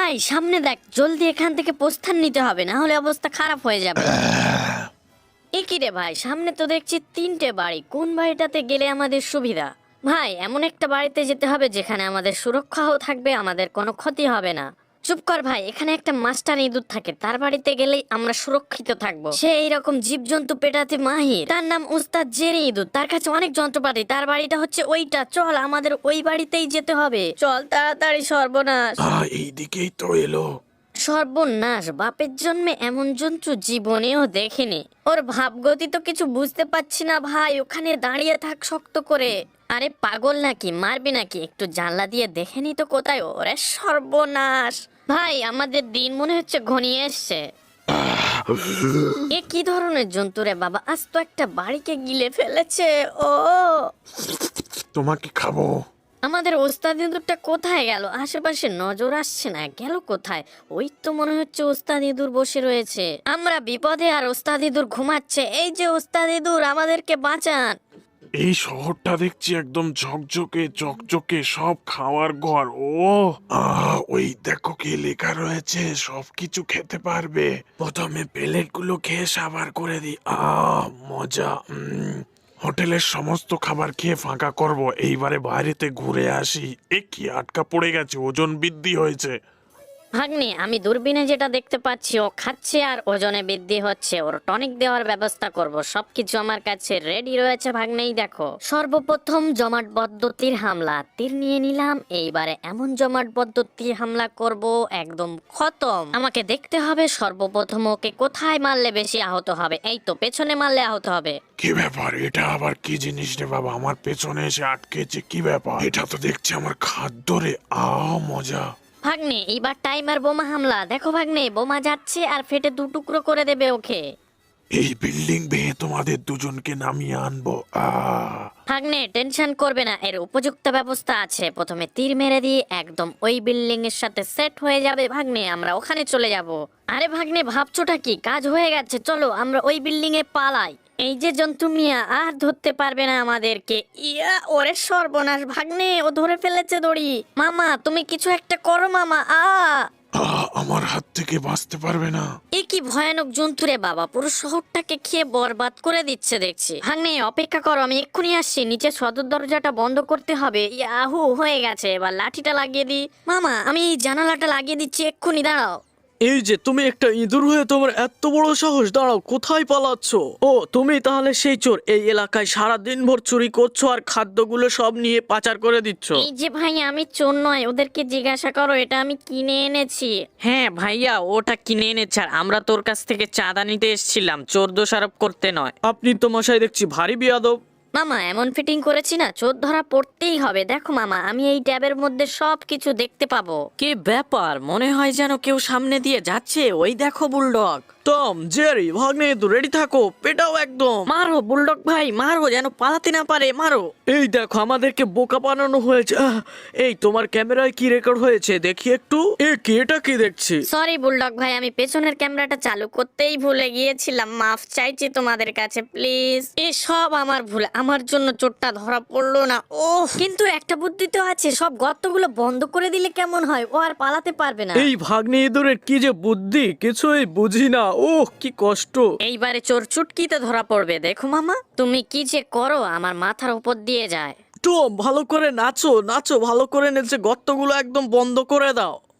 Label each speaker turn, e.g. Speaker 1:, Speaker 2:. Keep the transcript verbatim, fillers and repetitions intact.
Speaker 1: ভাই সামনে দেখ, জলদি এখান থেকে প্রস্থান নিতে হবে, না হলে অবস্থা খারাপ হয়ে যাবে। এ কি রে ভাই, সামনে তো দেখছি তিনটে বাড়ি, কোন বাড়িটাতে গেলে আমাদের সুবিধা? ভাই এমন একটা বাড়িতে যেতে হবে যেখানে আমাদের সুরক্ষাও থাকবে, আমাদের কোনো ক্ষতি হবে না। চুপ কর ভাই, এখানে একটা মাস্টার ইঁদুর থাকে, তার বাড়িতে গেলেই আমরা সুরক্ষিত থাকবো। সে এইরকম জীবজন্তু পেটাতে মাহির, তার নাম উস্তাদ জেরি ইঁদুর, তার কাছে অনেক যন্ত্রপাতি, তার বাড়িটা হচ্ছে ওইটা। চল আমাদের ওই বাড়িতেই যেতে হবে, চল তাড়াতাড়ি। সর্বনাশ,
Speaker 2: এইদিকেই তো এলো।
Speaker 1: সর্বনাশ, বাপের জন্মে এমন জন্তু জীবনেও দেখিনি। ওর ভাবগতি তো কিছু বুঝতে পারছি না ভাই, ওখানে দাঁড়িয়ে থাক শক্ত করে। আরে পাগল নাকি, মারবি নাকি? একটু জানলা দিয়ে দেখে নি তো কোথায়। ওরে সর্বনাশ ভাই, আমাদের দিন মনে হচ্ছে ঘনিয়ে এসছে। এ কি ধরনের জন্তু রে বাবা, আজ তো একটা বাড়িকে গিলে ফেলেছে। ও
Speaker 2: তোমাকে খাবো।
Speaker 1: আমাদের ওস্তাদ ইঁদুরটা কোথায় গেল? আশেপাশে নজর আসছে না, গেল কোথায়? ওই তো মনে হচ্ছে ওস্তাদ ইঁদুর বসে রয়েছে। আমরা বিপদে আর ওস্তাদ ইঁদুর ঘুমাচ্ছে। এই যে ওস্তাদ ইঁদুর, আমাদেরকে বাঁচান।
Speaker 2: এই শহরটা দেখছি একদম ঝকঝকে চকচকে, সব খাওয়ার ঘর। ও আহ ওই দেখো কি লেখা রয়েছে, সবকিছু খেতে পারবে। প্রথমে প্লেট গুলো খেয়ে সাবার করে দি। আহ মজা। উম, হোটেলের সমস্ত খাবার খেয়ে ফাঁকা করব, এইবারে বাইরেতে ঘুরে আসি। এ কি আটকা পড়ে গেছে, ওজন বৃদ্ধি হয়েছে।
Speaker 1: ভাগ্নি, আমি দূরবীনে যেটা দেখতে পাচ্ছি, ও খাচ্ছে আর ওজনে বৃদ্ধি হচ্ছে। ওর টনিক দেওয়ার ব্যবস্থা করব, সবকিছু আমার কাছে রেডি রয়েছে ভাগ্নেই। দেখো, সর্বপ্রথম জমাট পদ্ধতির হামলা, তীর নিয়ে নিলাম। এইবারে এমন জমাট পদ্ধতির হামলা করব একদম খতম। আমাকে দেখতে হবে সর্বপ্রথম ওকে কোথায় মারলে বেশি আহত হবে। এই তো পেছনে মারলে আহত হবে।
Speaker 2: কি ব্যাপার, এটা আবার কি জিনিস রে বাবা, আমার পেছনে এসে আটকেছে, কি ব্যাপার? এটা তো দেখছি আমার খাদ্য রে। আহ মজা।
Speaker 1: ভাগ্নে, এইবার টাইমার বোমা হামলা। দেখো ভাগ্নে, বোমা যাচ্ছে আর ফেটে দু টুকরো করে দেবে ওকে।
Speaker 2: এই বিল্ডিং ভেঙে তোমাদের দুজনকে নামিয়ে আনবো। আহ
Speaker 1: ভাগ্নে টেনশন করবে না, এর উপযুক্ত ব্যবস্থা আছে। প্রথমে তীর মেরে দিয়ে একদম ওই বিল্ডিং এর সাথে সেট হয়ে যাবে ভাগ্নে, আমরা ওখানে চলে যাব। আরে ভাগ্নে, ভাবছোটা কি? কাজ হয়ে গেছে, চলো আমরা ওই বিল্ডিং এ পালাই। এই যে জন্তু মিয়া আর ধরতে পারবে না আমাদেরকে। ইয়া, ওরে সর্বনাশ ভাগ্নে, ও ধরে ফেলেছে দড়ি। মামা তুমি কিছু একটা করো মামা। আ
Speaker 2: আহ আমার হাত থেকে বাঁচতে পারবে না।
Speaker 1: এ কি ভয়ানক জন্তু রে বাবা, পুরো শহরটাকে খেয়ে বরবাদ করে দিচ্ছে দেখছি। ভাগ্নে অপেক্ষা করো, আমি এক্ষুনি আসছি। নিচে সদর দরজাটা বন্ধ করতে হবে। ইয়াহু, হয়ে গেছে, এবার লাঠিটা লাগিয়ে দিই। মামা আমি এই জানালাটা লাগিয়ে দিচ্ছি, এক্ষুনি দাঁড়াও।
Speaker 3: এই যে তুমি একটা ইঁদুর হয়ে তোমার এত বড় সাহস, দাঁড়াও, কোথায় পালাচ্ছ? ও তুমি তাহলে সেই চোর, এই এলাকায় সারা দিন ভর চুরি করছো আর খাদ্যগুলো সব নিয়ে পাচার করে দিচ্ছ।
Speaker 1: এই যে ভাই, আমি চোর নয়, ওদেরকে জিজ্ঞাসা করো, এটা আমি কিনে এনেছি।
Speaker 4: হ্যাঁ ভাইয়া, ওটা কিনে এনেছে আর আমরা তোর কাছ থেকে চাঁদা নিতে এসেছিলাম, চোর দোষারোপ করতে নয়।
Speaker 3: আপনি তো মশাই দেখছি ভারী বিয়াদব।
Speaker 1: মামা এমন ফিটিং করেছি না, চোর ধরা পড়তেই হবে। দেখো মামা, আমি এই ট্যাবের মধ্যে সব কিছু দেখতে পাবো।
Speaker 4: কি ব্যাপার, মনে হয় যেন কেউ সামনে দিয়ে যাচ্ছে। ওই দেখো বুলডগ।
Speaker 3: টম, জেরি, ভাগ্নে তো রেডি থাকো, পেটাও একদম।
Speaker 4: মারো বুলডগ ভাই, মারো, যেন পালাতে না পারে, মারো।
Speaker 3: এই দেখো আমাদেরকে বোকা বানানো হয়েছে। আহ, এই তোমার ক্যামেরায় কি রেকর্ড হয়েছে দেখি একটু। এ কি, এটা কি দেখছি?
Speaker 1: সরি বুলডগ ভাই, আমি পেছনের ক্যামেরাটা চালু করতেই ভুলে গিয়েছিলাম, মাফ চাইছি তোমাদের কাছে প্লিজ। এ সব আমার ভুল, আমার জন্য চোরটা ধরা পড়লো না। ও কিন্তু একটা বুদ্ধি তো আছে, সব গর্তগুলো বন্ধ করে দিলে কেমন হয়, ও আর পালাতে পারবে না।
Speaker 3: এই ভাগ্নে ইঁদুরের কি যে বুদ্ধি, কিছুই বুঝি না। ওহ কি কষ্ট।
Speaker 1: এইবারে চোর চুটকিতে ধরা পড়বে। দেখো মামা, তুমি কি যে করো, আমার মাথার উপর দিয়ে যায়।
Speaker 3: টম ভালো করে নাচো, নাচো ভালো করে নেচে গর্তগুলো একদম বন্ধ করে দাও।